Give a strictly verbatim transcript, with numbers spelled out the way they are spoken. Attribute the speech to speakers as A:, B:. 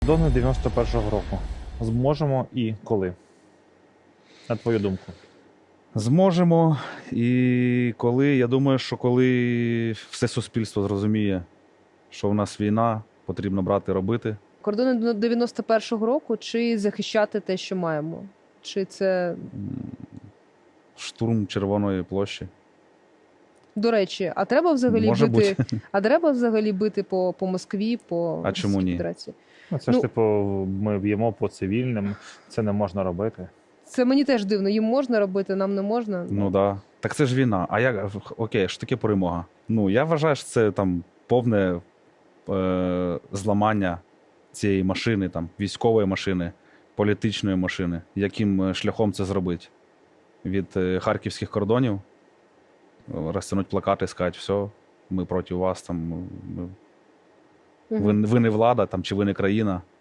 A: Кордони дев'яносто першого року. Зможемо і коли? На твою думку.
B: Зможемо. І коли, я думаю, що коли все суспільство зрозуміє, що в нас війна, потрібно брати, робити.
C: Кордони дев'яносто першого року чи захищати те, що маємо? Чи це,
B: Штурм Червоної площі.
C: до речі, а треба взагалі
B: Може
C: бити,
B: бути.
C: а треба взагалі бити по, по Москві, по
B: А чому
C: Російській
B: ні?
C: Федерації?
A: Ну, це ж,
C: Ну-
A: типу, ми б'ємо по цивільним, це не можна робити.
C: Це мені теж дивно. Їм можна робити, нам не можна.
B: Ну так. Да. Так це ж війна. А як, окей, що таке перемога? Ну, я вважаю, що це там повне е, зламання цієї машини, там, військової машини, політичної машини. Яким е, шляхом це зробити? Від е, харківських кордонів е, розтягнуть плакати, сказати, все, ми проти вас, там, ми,
C: Мгм.
B: ви, ви не влада, там, чи ви не країна.